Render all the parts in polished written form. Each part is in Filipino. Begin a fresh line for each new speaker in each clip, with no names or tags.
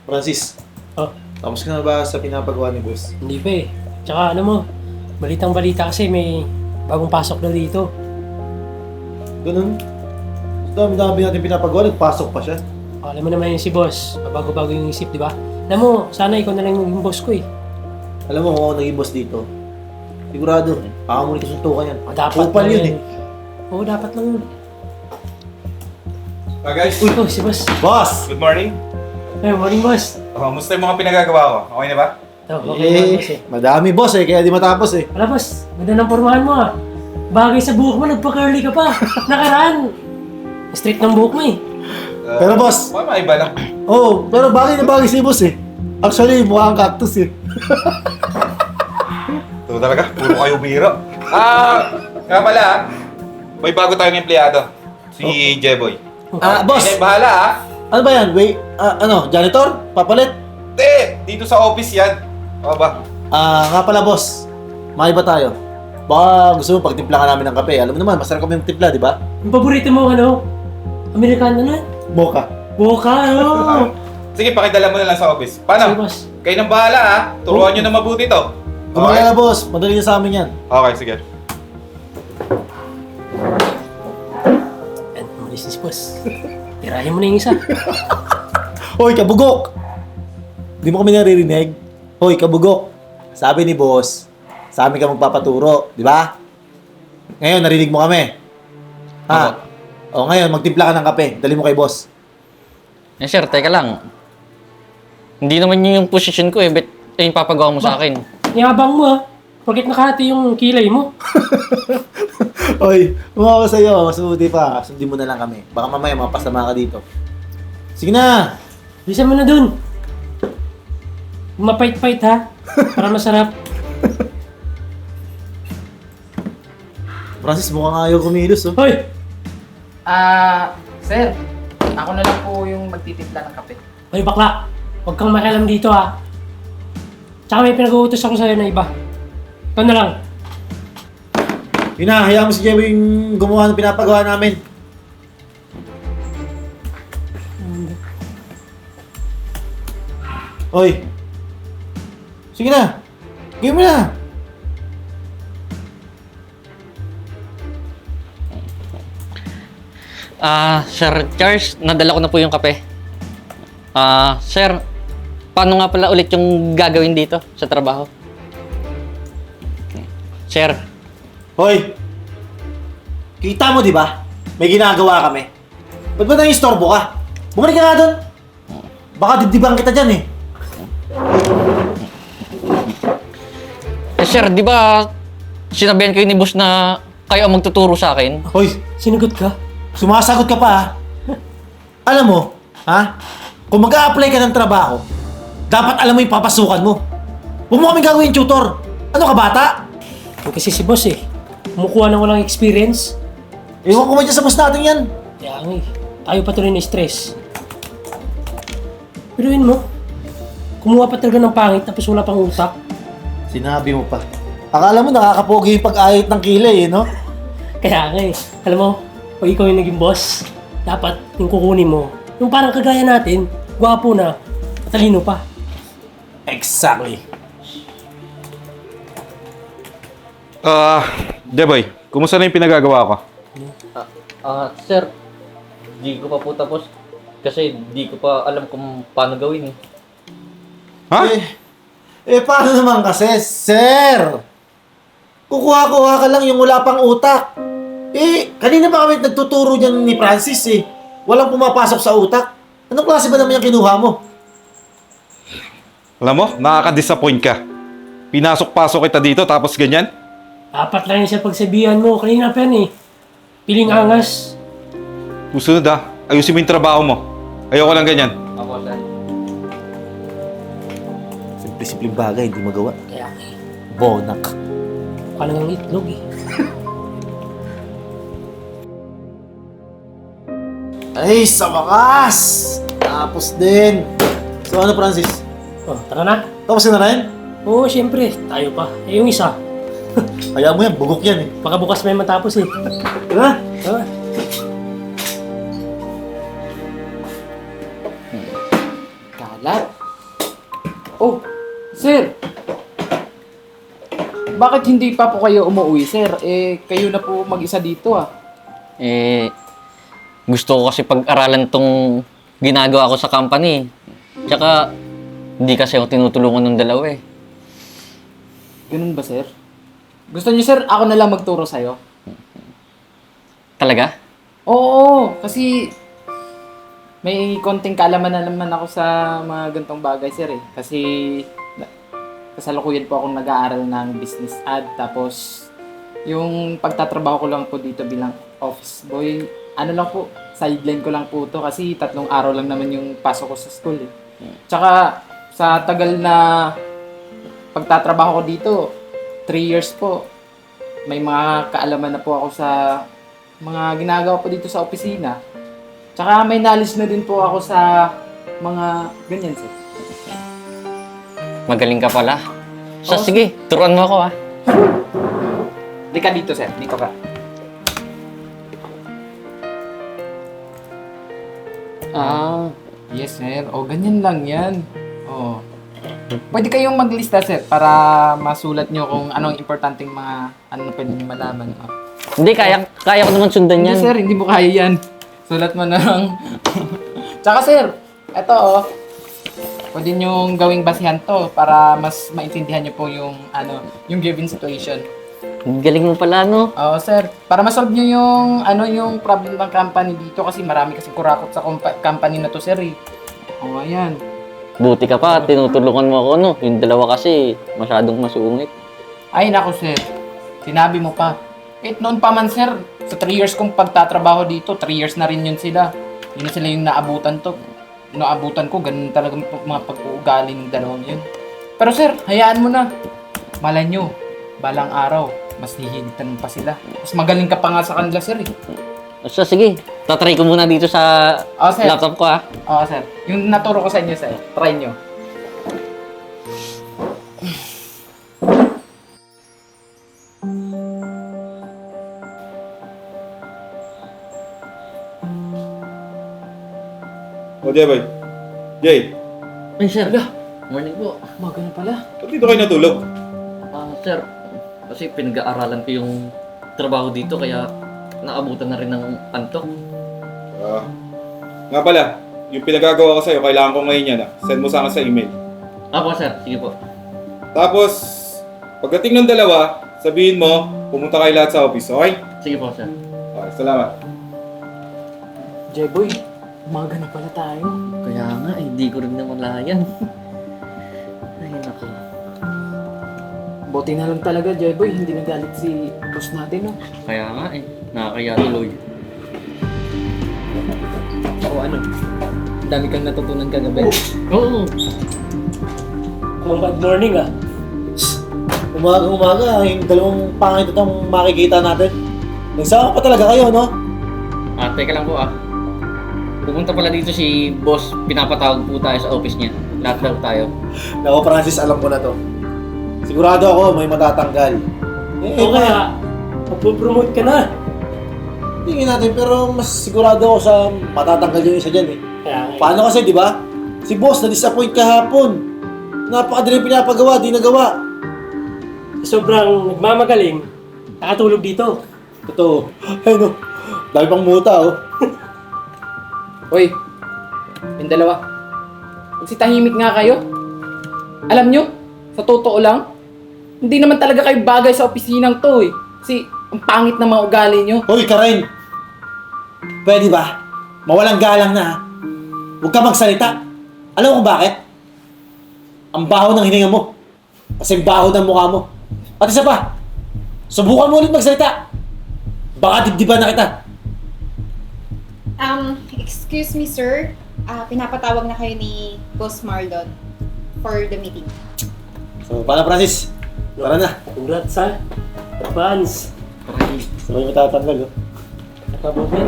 Francis,
Oh,
tapos ka na ba sa pinapagawa ni boss?
hindi pa eh. Tsaka ano mo, balitang balita kasi may bagong pasok daw dito.
Ganun. Sa dami-dami natin pinapagawa, nagpasok pa siya.
Alam mo naman yun si boss, bago-bago yung isip, di ba? Alam mo, sana ikaw na lang yung boss ko eh.
Alam mo kung ako naging boss dito, sigurado, mo rin kasuntukan yan.
Dapat
Kupal
lang
yun eh.
Oo, dapat lang yun.
Guys,
Uy, si boss.
Boss!
good morning.
Ay, morning boss.
Musta yung mga pinagagawa ko? Okay na ba?
Ito, okay naman boss eh.
Madami boss eh, kaya di matapos eh.
Wala boss, ganda ng pormahan mo ah. Bagay sa buhok mo, nagpa-curly ka pa. Nakaraan. Straight ng buhok mo eh.
Pero boss,
Iba lang.
pero bagay na bagay si boss eh. Actually, mukha kang cactus eh.
Ito talaga, puro kayo biro. Nga pala may bago tayong empleyado. Si Jeboy.
Boss!
Hindi, bahala
Ano ba yan? Wait, janitor? Papalit?
Hindi, dito sa office yan. O ba?
Nga pala boss, maki ba tayo? Baka gusto mo pagtimpla ka namin ng kape. Alam mo naman, masarap kami yung timpla, di ba?
Yung paborito mo ano? Amerikano na?
Mocha.
Boka, ano?
Sige, pakidala mo na lang sa office.
Sige
Paano?
boss.
Kayo nang bahala Turuan nyo na mabuti to.
Kumagala na boss, madali na sa amin yan.
Okay, sige.
Yan, umalis na si boss. Tirahin mo na yung isa.
Hoy, kabugok! Di mo kami naririnig? Hoy, kabugok! Sabi ni boss, sa amin ka magpapaturo, di ba? Ngayon, narinig mo kami. Ha? O ngayon, magtimpla ka ng kape. Dali mo kay boss.
Eh sir, teka lang. Hindi naman yun yung position ko eh. Ba't yung papagawa mo sa akin?
Yabang mo ah. Porket nakahati yung kilay mo.
Hoy, umawa sa'yo. Mas mabuti pa. Sundin mo na lang kami. Baka mamaya mapasama ka dito. Sige na!
Bisa mo na dun. Mapait-pait ha. Para masarap.
Francis, mukhang ayaw kumilos, oh.
Hoy!
Sir, ako na lang po yung magtitimpla ng kape.
Hoy bakla! Huwag kang makialam dito ha. Tsaka may pinag-uutos ako sa'yo na iba. Ito na lang.
Yun na, hayaan mo si Jebo yung gumawa ng pinapagawa namin. Hoy! Sige na! Gawin mo na!
Sir Charles, nadala ko na po yung kape. Sir, paano nga pala ulit yung gagawin dito sa trabaho? Sir,
Hoy! Kita mo, di ba? May ginagawa kami. Ba't ba nang istorbo ka? Bumalik ka nga doon! Baka dibdibang kita dyan eh.
sir, di ba sinabihan kayo ni boss na kayo ang magtuturo sa akin?
Hoy!
Sinagot ka?
Sumasagot ka pa ha? Alam mo, ha? Kung mag-a-apply ka ng trabaho, dapat alam mo yung papasukan mo. Huwag mo kaming gagawin tutor. Ano ka, bata?
Yung kasi si boss eh. Kumukuha ng walang experience.
Ewan ko man dyan sa boss natin yan.
Kaya nga eh. Tayo pa tuloy na stress. Piruin mo. Kumuha pa talaga ng pangit tapos wala pang utak.
Sinabi mo pa. Akala mo nakakapogi yung pag-ayit ng kilay eh, no?
Kaya nga eh. Alam mo, pag ikaw yung naging boss, dapat yung kukunin mo. Yung parang kagaya natin, gwapo na, matalino pa.
Exactly.
Jeboy, kumusta na yung pinagagawa ko?
Sir, di ko pa po tapos. Kasi di ko pa alam kung paano gawin eh.
Ha?
Paano naman kasi, sir? Kukuha-kuha ka lang yung wala pang utak. Kanina pa kami nagtuturo dyan ni Francis eh. Walang pumapasok sa utak. Anong klase ba naman yung kinuha mo?
Alam mo, nakaka-disappoint ka. Pinasok-pasok kita dito tapos ganyan?
Dapat lang yung sa pagsabihan mo. Kanina pa yan eh. Piling angas.
Susunod ayusin mo yung trabaho mo. Ayoko lang ganyan.
Ako, sir.
Simple-simpleng bagay, hindi magawa.
Kaya nga eh.
Bonak.
Mukha lang ang itlog eh.
Ay, sa wakas! Tapos din. So ano, Francis?
Oh, tara na.
Tapos ka na rin?
Oo, syempre. Tayo pa. Eh, yung isa.
Kaya mo yan, bugok yan eh.
Baka bukas may matapos eh.
Tara!
Tara.
Kalat? Oh, sir! Bakit hindi pa po kayo umuwi, sir? Kayo na po mag-isa dito ah.
Gusto ko kasi pag-aralan tong ginagawa ko sa company. Tsaka, hindi kasi ako tinutulungan ng dalawa eh.
Ganun ba, sir? Gusto niyo, sir, ako na lang magturo sa'yo?
Talaga?
Oo, kasi may konting kaalaman na naman ako sa mga gantong bagay, sir eh. Kasi kasalukuyan po akong nag-aaral ng business ad. Tapos, yung pagtatrabaho ko lang po dito bilang office boy, ano lang po, sideline ko lang po to kasi 3 araw lang naman yung pasok ko sa school eh. Tsaka, sa tagal na pagtatrabaho ko dito, 3 years po, may mga kaalaman na po ako sa mga ginagawa po dito sa opisina. Tsaka may knowledge na din po ako sa mga ganyan, sir.
Magaling ka pala. So,
Oo.
sige, turuan mo ako ah.
Di ka dito, sir. Dito ka. Yes, sir. O, ganyan lang yan. O. Pwede kayong maglista, sir, para masulat nyo kung anong importanteng mga ano na pwede nyo malaman. O.
Hindi, kaya ko naman sundan
Hindi,
yan.
sir. Hindi mo kaya yan. Sulat mo na lang. Tsaka, sir, eto, pwede nyo gawing basihan to para mas maintindihan nyo po yung, yung given situation.
Galing mo pala, no?
Oo, sir. Para ma-solve nyo yung, yung problem ng company dito kasi marami kasi kurakot sa company na to, sir, eh. Oo, ayan.
Buti ka pa, tinutulungan mo ako, no? Yung dalawa kasi, masyadong masungit.
Ay, naku, sir. Sinabi mo pa. Kahit noon pa man, sir, sa 3 years kong pagtatrabaho dito, 3 years na rin yun sila. Yun na sila yung naabutan to. Naabutan ko, ganun talaga mga pag-uugali ng dalawang yun. Pero, sir, hayaan mo na. Malay nyo, balang araw, mas hihigitan pa sila. Mas magaling ka pa nga sa kanila, sir, eh.
So, sige, tatry ko muna dito sa
Sir.
laptop ko, ah.
Oo, sir. Yung naturo ko sa inyo, sir. Try nyo.
O, Jay, boy. Jay,
Ay, sir. Morning po.
Umaga na pala.
ba't dito kayo natulog?
Sir, kasi pinag-aaralan ko yung trabaho dito, kaya naabutan na rin ng antok.
Nga pala, yung pinagagawa ko sa'yo, kailangan ko ngayon yan. Send mo sa akin sa email.
Ako, sir. Sige po.
Tapos, pagdating ng dalawa, sabihin mo, pumunta kayo lahat sa office, okay?
Sige po, sir.
Okay, salamat.
Jeboy, umaga na pala tayo.
Kaya nga, hindi ko rin namalayan. Ay, naku.
Buti na lang talaga, Jeboy. Hindi nagalit si boss natin, no?
Kaya nga, nakakaya tuloy.
O ano? Ang dami kang natutunan kagabi.
Oo.
Bad morning ah.
Umaga, yung dalawang pangit itong makikita natin. Nagsama pa talaga kayo, no?
Teka lang po ah. Pupunta pala dito si boss, pinapatawag po tayo sa office niya. Lahat daw tayo.
Nako, Francis, alam ko na to. Sigurado ako may matatanggal.
O kaya, magpo-promote ka na.
Tingin natin, pero mas sigurado ako sa matatanggal yung isa dyan eh.
Kaya,
Paano kasi, di ba? Si boss na-disappoint kahapon. Napakadali pinapagawa, di nagawa.
sobrang nagmamagaling, nakatulog dito.
Totoo. Ay no, dami pang muta oh.
Hoy, yung dalawa. Magsitahimik nga kayo. Alam nyo, sa totoo lang, hindi naman talaga kayo bagay sa opisinang to eh. Kasi ang pangit na mga ugali nyo.
Hoy, Karen! Pwede ba? Mawalang galang na ha? Huwag ka magsalita. Alam mo kung bakit? Ang baho ng hininga mo. Kasi baho ng mukha mo. At isa pa, subukan mo ulit magsalita. Baka dibdiban na kita.
Excuse me, sir. Pinapatawag na kayo ni Boss Marlon for the meeting.
So, paano Francis? Tara na.
Congrats ha. Advance.
Sabay mo tatanggal oh.
Kabuhin.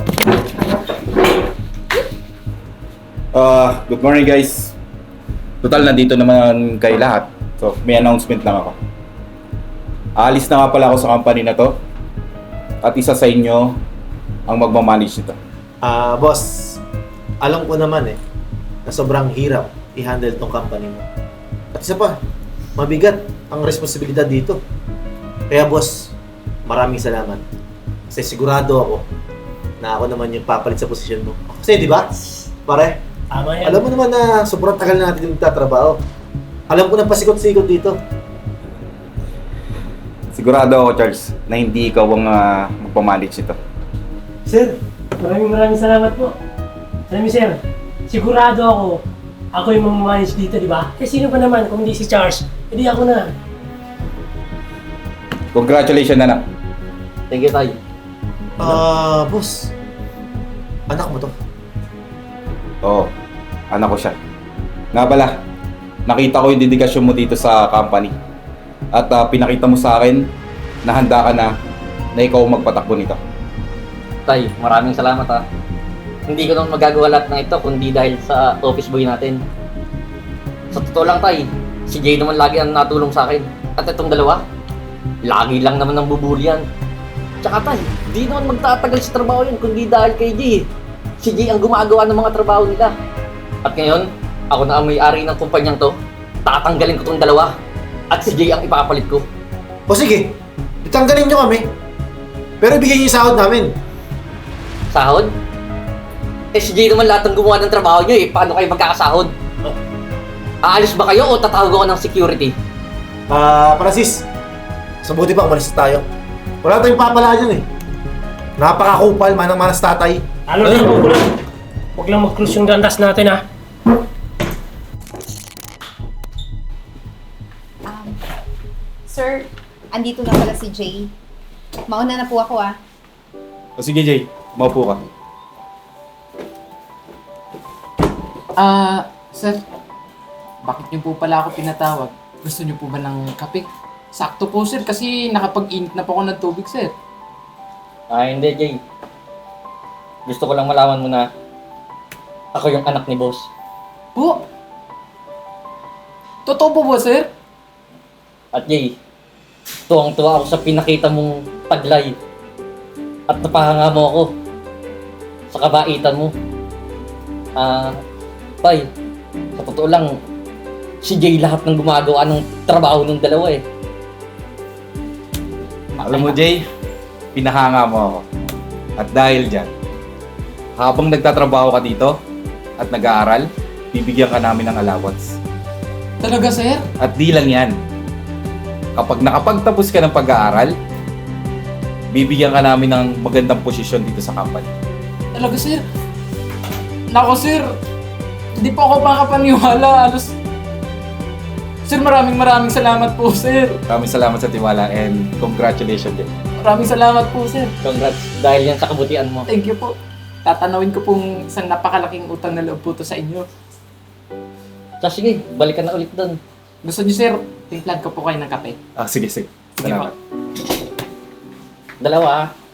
Good morning guys. Total, nandito naman kayo lahat. So, may announcement lang ako. Aalis na nga pala ako sa company na to. At isa sa inyo ang magmamanage nito.
Boss, alam ko naman eh. na sobrang hirap i-handle tong company mo. At isa pa, mabigat ang responsibilidad dito. Kaya boss, maraming salamat. Kasi sigurado ako na ako naman yung papalit sa posisyon mo. Kasi di ba, pare,
Tama yan.
alam mo naman na sobrang tagal na natin yung nagtatrabaho. Alam ko na pasikot-sikot dito.
Sigurado ako, Charles, na hindi ikaw ang magpamanage ito.
Sir, maraming salamat po. Alam niyo sir, sigurado ako yung mamamanage dito, di ba? Eh sino ba naman kung hindi si Charles? Hindi ako na.
Congratulations, anak.
Thank you, Tay.
Boss, anak mo to.
Oo, anak ko siya. Nga pala, nakita ko yung dedikasyon mo dito sa company. At pinakita mo sa akin na handa ka na ikaw ang magpatakbo nito.
Tay, maraming salamat ha. Hindi ko naman magagawa lahat ng ito kundi dahil sa office boy natin. Sa totoo lang, Tay, si Jay naman lagi ang natulong sa akin. At itong dalawa, lagi lang naman ang bubulyan. Tsaka, Tay, di naman magtatagal sa trabaho yan kundi dahil kay Jay. Si Jay ang gumagawa ng mga trabaho nila. At ngayon, ako na ang may-ari ng kumpanyang to. Tatanggalin ko tong dalawa. At si Jay ang ipapalit ko.
O sige, itanggalin nyo kami. Pero ibigay nyo yung sahod namin.
Sahod? Eh si Jay naman lahat ng gumawa ng trabaho nyo eh. Paano kayo magkakasahod? Aalis ba kayo o tatawag ako ng security?
Francis, mas mabuti pa umalis na tayo. Wala tayong papala dyan eh. Napakakupal, manang-manas tatay.
Ano na yung huwag lang mag-cruise yung gandas natin ha.
Sir, andito na pala si Jay. Mauna na po ako
O sige, Jay, maupo ka.
Sir, bakit niyo po pala ako pinatawag? Gusto niyo po ba ng kape? Sakto po, sir, kasi nakapag-init na po ako ng tubig, sir.
Hindi, Jay. Gusto ko lang malaman mo na ako yung anak ni boss.
Po? Totoo po ba, sir?
At Jay, tuwang-tuwa ako sa pinakita mong taglay. At napahanga mo ako sa kabaitan mo. Tay, sa totoo lang, si Jay lahat ng gumagawa ng trabaho ng dalawa eh.
Alam mo, Jay, pinahanga mo ako. At dahil dyan, habang nagtatrabaho ka dito at nag-aaral, bibigyan ka namin ng allowance.
Talaga, sir?
At di lang yan. Kapag nakapagtapos ka ng pag-aaral, bibigyan ka namin ng magandang posisyon dito sa company.
Talaga, sir? Nako, sir. Hindi po ako makapaniwala. Sir, maraming salamat po, sir.
Maraming salamat sa tiwala and congratulations, Jay.
Maraming salamat po, sir.
Congrats dahil yan sa kabutihan mo.
Thank you po. Tatanawin ko pong isang napakalaking utang na loob po to sa inyo.
So sige, balikan na ulit doon.
Gusto niyo, sir, timplan ko po kayo ng kape.
Sige.
Sige
Salamat.
po.
Dalawa ah.